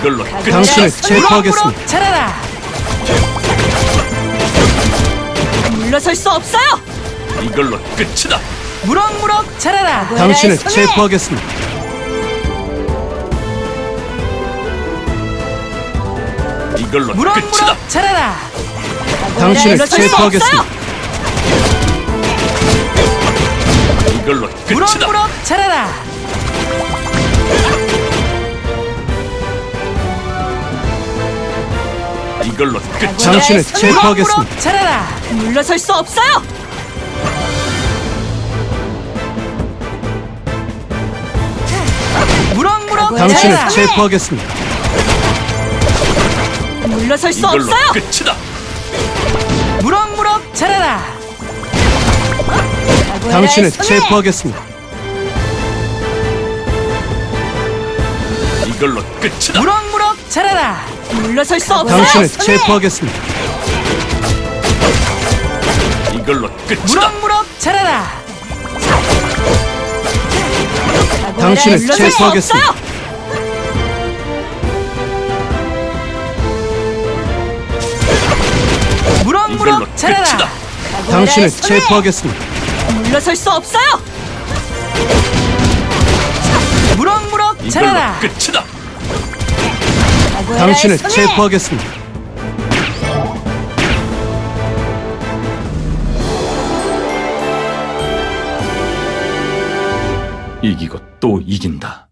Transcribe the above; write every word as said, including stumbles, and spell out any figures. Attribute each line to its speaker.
Speaker 1: 이걸로 끝이다.
Speaker 2: 당신을 체포하겠습니다.
Speaker 3: 자라라. 물러설 수 없어요.
Speaker 1: 이걸로 끝이다.
Speaker 3: 무럭무럭 자라라.
Speaker 2: 당신을 체포하겠습니다.
Speaker 1: 이걸로 끝이다.
Speaker 3: 무럭무럭 자라라.
Speaker 2: 당신을
Speaker 3: 물러설 수
Speaker 2: 체포하겠습니다.
Speaker 3: 없어요.
Speaker 1: 이걸로 끝이다.
Speaker 3: 무럭무럭 자라라.
Speaker 1: 이걸로 끝이다.
Speaker 2: 당신을 체포하겠습니다.
Speaker 3: 무럭무럭 자라라. 물러설 수 없어요. 무럭무럭
Speaker 2: 당신을
Speaker 3: 자라라.
Speaker 2: 체포하겠습니다.
Speaker 3: 물러설 수
Speaker 1: 이걸로
Speaker 3: 없어요.
Speaker 1: 끝이다.
Speaker 3: 무럭무럭 자라라.
Speaker 2: 당신을 체포하겠습니다.
Speaker 1: 이걸로 끝이다.
Speaker 3: 무럭무럭 자라라. 물러설 수 없어요.
Speaker 2: 당신을 체포하겠습니다.
Speaker 1: 이걸로 끝이다.
Speaker 3: 무럭무럭 자라라.
Speaker 2: 당신을
Speaker 3: 물러설 수
Speaker 2: 체포하겠습니다.
Speaker 3: 없어요.
Speaker 1: 이걸로
Speaker 3: 무럭무럭 자라라.
Speaker 1: 끝이다.
Speaker 2: 당신을 체포하겠습니다.
Speaker 3: 물러설 수 없어요. 무럭무럭
Speaker 1: 이걸로
Speaker 3: 자라라.
Speaker 1: 끝이다.
Speaker 2: 당신을 체포하겠습니다.
Speaker 1: 이기고 또 이긴다.